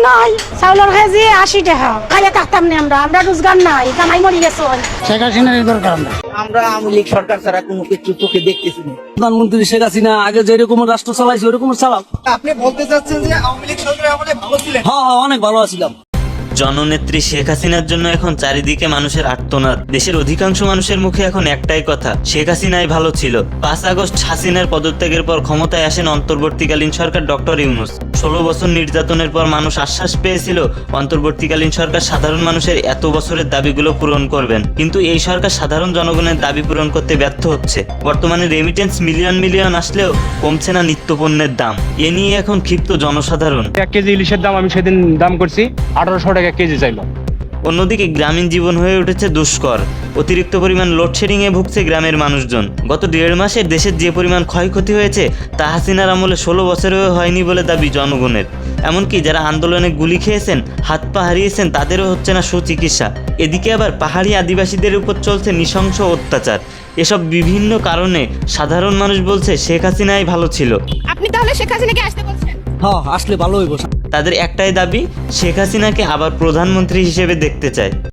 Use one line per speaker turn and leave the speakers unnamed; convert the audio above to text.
নাই, চাউলের কেজি 80 টাকা। খাইয়ে থাকতাম না আমরা রোজগার নাই, কামাই মরি গেছে। শেখ হাসিনার দরকার
আমরা আওয়ামী লীগ সরকার ছাড়া কোনো কিছু চোখে দেখতেছি না।
প্রধানমন্ত্রী শেখ হাসিনা আগে যেরকম রাষ্ট্র চালাইছে ওরকম চালাও।
আপনি বলতে চাচ্ছেন যে আওয়ামী লীগ সরকার আমাদের ভালো ছিলেন?
হ্যাঁ, অনেক ভালো আছিলাম।
জননেত্রী শেখ হাসিনার জন্য এখন চারিদিকে মানুষের আর্তনাদ। দেশের অধিকাংশ মানুষের মুখে এখন একটাই কথা, শেখ হাসিনাই ভালো ছিল। 5 আগস্ট হাসিনার পদত্যাগের পর ক্ষমতায় আসেন অন্তর্বর্তীকালীন সরকার ডক্টর ইউনূস। 16 বছর নির্যাতনের পর মানুষ আশ্বাস পেয়েছিল অন্তর্বর্তীকালীন সরকার সাধারণ মানুষের এত বছরের দাবিগুলো পূরণ করবেন, কিন্তু এই সরকার সাধারণ জনগণের দাবি পূরণ করতে ব্যর্থ হচ্ছে। বর্তমানে রেমিটেন্স মিলিয়ন আসলেও কমছে না নিত্যপণ্যের দাম। এ নিয়ে এখন ক্ষিপ্ত জনসাধারণ।
1 কেজি ইলিশের দাম আমি সেদিন দাম করছি 1800 টাকা কেজি চাইলো।
অন্যদিকে গ্রামীণ জীবন হয়ে উঠেছে দুষ্কর। অতিরিক্ত পরিমাণ লোডশেডিং এ ভুগছে গ্রামের মানুষজন। গত 1.5 মাসে দেশের যে পরিমাণ ক্ষয়ক্ষতি হয়েছে তা হাসিনার আমলে 16 বছরেও হয়নি বলে দাবি জনগণের। এমনকি যারা আন্দোলনে গুলি খেয়েছেন, হাত পা হারিয়েছেন, তাদেরও হচ্ছে না সুচিকিৎসা। এদিকে আবার পাহাড়ি আদিবাসীদের উপর চলছে নৃশংস অত্যাচার। এসব বিভিন্ন কারণে সাধারণ মানুষ বলছে শেখ হাসিনাই ভালো ছিল।
আপনি তাহলে শেখ হাসিনাকে আসতে বলছেন?
হ্যাঁ, আসলে ভালো হইব।
তাদের একটাই দাবি, শেখ হাসিনাকে আবার প্রধানমন্ত্রী হিসেবে দেখতে চায়।